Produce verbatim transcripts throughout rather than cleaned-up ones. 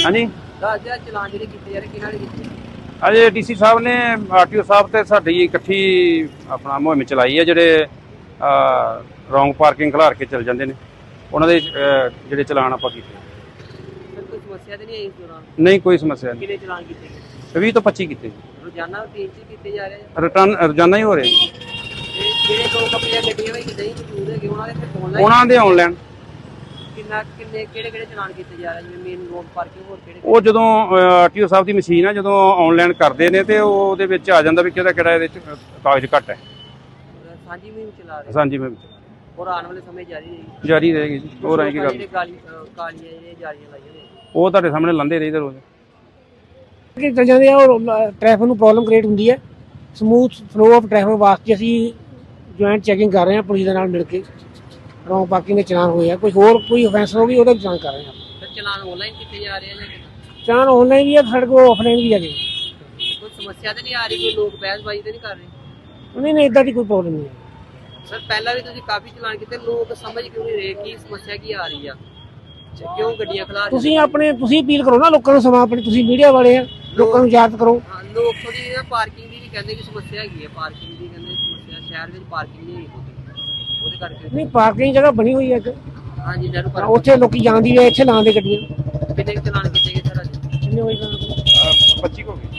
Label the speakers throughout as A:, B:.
A: हाँ जी
B: ਚਲਾਨ ਜਿਹੜੇ ਕੀਤੇ ਜਾ ਰਹੇ ਕਿਹਨਾਂ ਨੇ ਕੀਤੇ?
A: अजे डी सी साहब ने आर टी ओ साहब ते साडी इकट्ठी अपना मुहिम चलाई है। ਜਿਹੜੇ ਰੌਂਗ ਪਾਰਕਿੰਗ ਖਿਲਾਰ ਕੇ ਚਲ ਜਾਂਦੇ ਨੇ ਉਹਨਾਂ ਦੇ ਜਿਹੜੇ ਚਲਾਨ ਆਪਾਂ ਕੀਤੇ।
B: ਸਰ ਕੋਈ ਸਮੱਸਿਆ ਤੇ ਨਹੀਂ ਆਈ ਇਸ ਦੌਰਾਨ?
A: ਨਹੀਂ ਕੋਈ ਸਮੱਸਿਆ ਨਹੀਂ।
B: ਕਿੰਨੇ ਚਲਾਨ ਕੀਤੇ ਗਏ?
A: ਵੀਹ ਤੋਂ ਪੱਚੀ ਕੀਤੇ ਜੀ।
B: ਰੋਜ਼ਾਨਾ ਤੇਜ਼ ਕੀਤੇ ਜਾ ਰਹੇ ਆ?
A: ਰਿਟਰਨ ਰੋਜ਼ਾਨਾ ਹੀ ਹੋ ਰਹੇ
B: ਤੇ ਜਿਹੜੇ ਲੋਕ ਆਪਣੀਆਂ ਗੱਡੀਆਂ ਵਿੱਚ ਨਹੀਂ ਮੌਜੂਦ ਹੈਗੇ ਉਹਨਾਂ ਦੇ ਫਿਰ ਆਨਲਾਈਨ
A: ਉਹਨਾਂ ਦੇ ਆਨਲਾਈਨ
B: ਕਿੰਨਾ ਕਿੰਨੇ ਕਿਹੜੇ ਕਿਹੜੇ ਚਲਾਨ ਕੀਤੇ ਜਾ ਰਹੇ ਜਿਵੇਂ ਮੇਨ ਰੋਡ ਪਾਰਕਿੰਗ ਹੋਰ ਕਿਹੜੇ?
A: ਉਹ ਜਦੋਂ ਆਰ ਟੀ ਓ ਸਾਹਿਬ ਦੀ ਮਸ਼ੀਨ ਆ ਜਦੋਂ ਆਨਲਾਈਨ ਕਰਦੇ ਨੇ ਤੇ ਉਹਦੇ ਵਿੱਚ ਆ ਜਾਂਦਾ ਵੀ ਕਿਹੜਾ ਕਿਹੜਾ ਇਹਦੇ ਚ ਕਾਗਜ਼ ਘੱਟ ਹੈ।
B: ਸਾਂਝੀ ਮੁਹਿੰਮ ਚਲਾ ਰਹੇ
A: ਸਾਂਝੀ ਮੁਹਿੰਮ
B: ਔਰ ਆਉਣ ਵਾਲੇ ਸਮੇਂ ਜਾਰੀ ਰਹੇਗੀ?
A: ਜਾਰੀ ਰਹੇਗੀ ਜੀ। ਹੋਰ ਆਏਗੀ ਗੱਲ
B: ਜਿਹੜੇ ਕਾਲੀ ਕਾਲੀਆਂ ਜਿਹੜੀਆਂ ਜਾਰੀਆਂ ਲਾਈਆਂ ਨੇ
A: ਉਹ ਤੁਹਾਡੇ ਸਾਹਮਣੇ ਲਾਂਦੇ ਰਹੀਦੇ ਰੋਜ਼
C: ਕਿ ਚੱਲ ਜਾਂਦੇ ਆ ਔਰ ਟ੍ਰੈਫਿਕ ਨੂੰ ਪ੍ਰੋਬਲਮ ਕ੍ਰੀਏਟ ਹੁੰਦੀ ਹੈ। ਸਮੂਥ ਫਲੋ ਆਫ ਟ੍ਰੈਫਿਕ ਵਾਸਤੇ ਅਸੀਂ ਜੁਆਇੰਟ ਚੈਕਿੰਗ ਕਰ ਰਹੇ ਹਾਂ ਪੁਲਿਸ ਦੇ ਨਾਲ ਮਿਲ ਕੇ। ਰੌਂਗ ਪਾਰਕਿੰਗ ਦੇ ਚਲਾਨ ਹੋਏ ਆ, ਕੋਈ ਹੋਰ ਕੋਈ ਅਫੈਂਸ ਹੋ ਗਈ ਉਹਦਾ ਵੀ ਚਲਾਨ ਕਰ ਰਹੇ ਹਾਂ।
B: ਸਰ ਚਲਾਨ ਆਨਲਾਈਨ ਕੀਤੇ ਜਾ ਰਹੇ ਆ ਜਾਂ ਕਿੱਦਾਂ?
C: ਚਲਾਨ ਆਨਲਾਈਨ ਵੀ ਹੈ, ਸਾਡੇ ਕੋਲ ਆਫਲਾਈਨ ਵੀ ਹੈਗੇ।
B: ਕੋਈ ਸਮੱਸਿਆ ਤਾਂ ਨਹੀਂ ਆ ਰਹੀ? ਕੋਈ ਲੋਕ ਬਹਿਸਬਾਜ਼ੀ ਤਾਂ ਨਹੀਂ ਕਰ ਰਹੇ?
C: ਨਹੀਂ ਨਹੀਂ ਇੱਦਾਂ ਦੀ ਕੋਈ ਪ੍ਰੋਬਲਮ ਨਹੀਂ ਹੈ।
B: ਸਰ ਪਹਿਲਾਂ ਵੀ ਤੁਸੀਂ ਕਾਫੀ ਚਲਾਨ ਕੀਤੇ, ਲੋਕ ਸਮਝ ਕਿਉਂ ਨਹੀਂ ਰਹੇ ਕੀ ਸਮੱਸਿਆ ਕੀ ਆ ਰਹੀ ਆ? ਕਿਉਂ ਗੱਡੀਆਂ ਖਿਲਾ ਰਹੇ?
C: ਤੁਸੀਂ ਆਪਣੇ ਤੁਸੀਂ ਅਪੀਲ ਕਰੋ ਨਾ ਲੋਕਾਂ ਨੂੰ, ਸਮਾਂ ਆਪਣੀ ਤੁਸੀਂ ਮੀਡੀਆ ਵਾਲੇ ਆ, ਲੋਕਾਂ ਨੂੰ ਜਾਗਰੂਕ ਕਰੋ।
B: ਹਾਂ ਲੋਕ ਥੋੜੀ ਜਿਹੀ ਪਾਰਕਿੰਗ ਦੀ ਵੀ ਕਹਿੰਦੇ ਕਿ ਸਮੱਸਿਆ ਹੈਗੀ ਹੈ। ਪਾਰਕਿੰਗ ਦੀ ਕਹਿੰਦੇ ਸਮੱਸਿਆ ਸ਼ਹਿਰ ਵਿੱਚ ਪਾਰਕਿੰਗ ਨਹੀਂ ਹੈਗੀ ਉਹਦੇ ਕਰਕੇ।
C: ਨਹੀਂ ਪਾਰਕਿੰਗ ਜਗ੍ਹਾ ਬਣੀ ਹੋਈ ਹੈ ਇੱਕ,
B: ਹਾਂਜੀ ਨਹਿਰੂ
C: ਹਾਂ,
B: ਪਾਰਕ
C: ਉੱਥੇ ਲੋਕੀ ਜਾਂਦੀ ਹੈ, ਇੱਥੇ ਲਾਉਂਦੇ ਗੱਡੀਆਂ।
B: ਕਿੰਨੇ ਕੁ ਚਲਾਨ ਕੀਤੇ ਗਏ ਸਰ ਅੱਜ?
C: ਕਿੰਨੇ ਹੋਏ
A: ਪੱਚੀ ਹੋ ਗਏ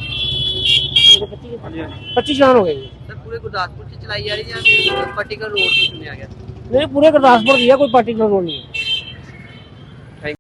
C: ਪੱਚੀ ਚਲਾਨ ਹੋ ਗਏ ਜੀ।
B: ਸਰ ਪੂਰੇ ਗੁਰਦਾਸਪੁਰ ਚ ਚਲਾਈ ਜਾ ਰਹੀ ਜਾਂ ਫਿਰ ਪਾਰਟੀਕਲ ਰੋਡ ਤੋਂ ਚੁਣਿਆ ਗਿਆ?
C: ਨਹੀਂ ਪੂਰੇ ਗੁਰਦਾਸਪੁਰ ਦੀ ਹੈ, ਕੋਈ ਪਾਰਟੀਕੂਲਰ ਰੋਡ ਨਹੀਂ ਹੈ।